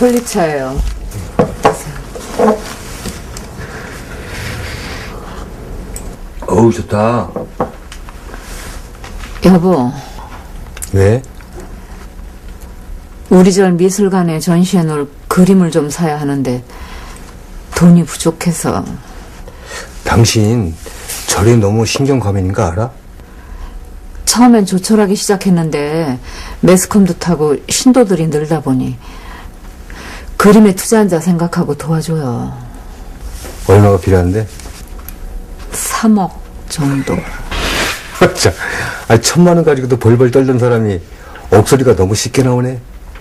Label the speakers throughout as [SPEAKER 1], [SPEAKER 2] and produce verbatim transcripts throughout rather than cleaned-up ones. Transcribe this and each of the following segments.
[SPEAKER 1] 솔잎차예요.
[SPEAKER 2] 어우, 좋다.
[SPEAKER 1] 여보.
[SPEAKER 2] 왜?
[SPEAKER 1] 우리 절 미술관에 전시해 놓을 그림을 좀 사야 하는데 돈이 부족해서.
[SPEAKER 2] 당신 절에 너무 신경과민인 거 알아?
[SPEAKER 1] 처음엔 조촐하게 시작했는데 매스컴도 타고 신도들이 늘다 보니 그림에 투자한 자 생각하고 도와줘요.
[SPEAKER 2] 얼마가 필요한데?
[SPEAKER 1] 삼억 정도.
[SPEAKER 2] 자, 아니, 천만 원 가지고도 벌벌 떨던 사람이 억소리가 너무 쉽게 나오네.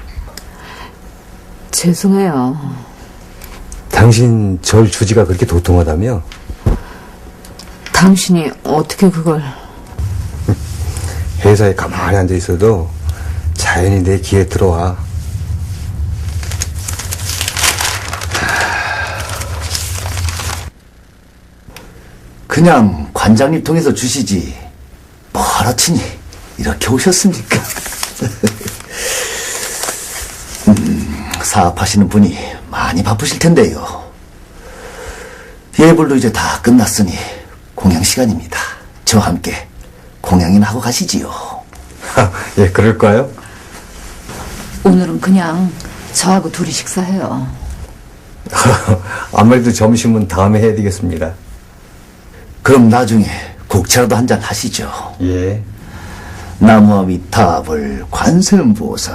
[SPEAKER 1] 죄송해요.
[SPEAKER 2] 당신 절 주지가 그렇게 도통하다며?
[SPEAKER 1] 당신이 어떻게 그걸...
[SPEAKER 2] 회사에 가만히 앉아 있어도 자연히 내 귀에 들어와.
[SPEAKER 3] 그냥 관장님 통해서 주시지 뭐하러치니 이렇게 오셨습니까? 음, 사업하시는 분이 많이 바쁘실 텐데요. 예불도 이제 다 끝났으니 공양 시간입니다. 저와 함께 공양이나 하고 가시지요.
[SPEAKER 2] 예, 그럴까요?
[SPEAKER 1] 오늘은 그냥 저하고 둘이 식사해요.
[SPEAKER 2] 아무래도 점심은 다음에 해야 되겠습니다.
[SPEAKER 3] 그럼 나중에 국차라도 한잔 하시죠.
[SPEAKER 2] 예.
[SPEAKER 3] 나무와 위탑을 관세음보살.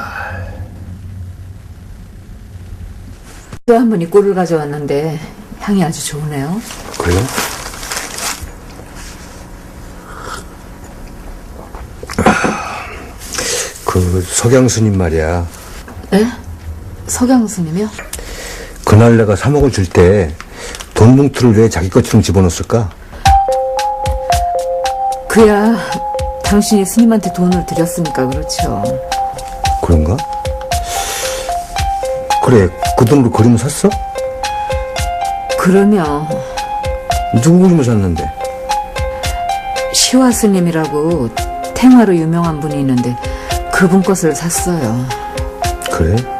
[SPEAKER 1] 또 한 분이 꿀을 가져왔는데 향이 아주 좋으네요.
[SPEAKER 2] 그래요? 그 석양스님 말이야.
[SPEAKER 1] 네? 석양 스님이요?
[SPEAKER 2] 그날 내가 삼억을 줄 때 돈 뭉투를 왜 자기 것처럼 집어넣었을까?
[SPEAKER 1] 그야 당신이 스님한테 돈을 드렸으니까 그렇죠.
[SPEAKER 2] 그런가? 그래, 그 돈으로 그림을 샀어?
[SPEAKER 1] 그러면
[SPEAKER 2] 누구 그림을 샀는데?
[SPEAKER 1] 시화 스님이라고 탱화로 유명한 분이 있는데 그분 것을 샀어요.
[SPEAKER 2] 그래?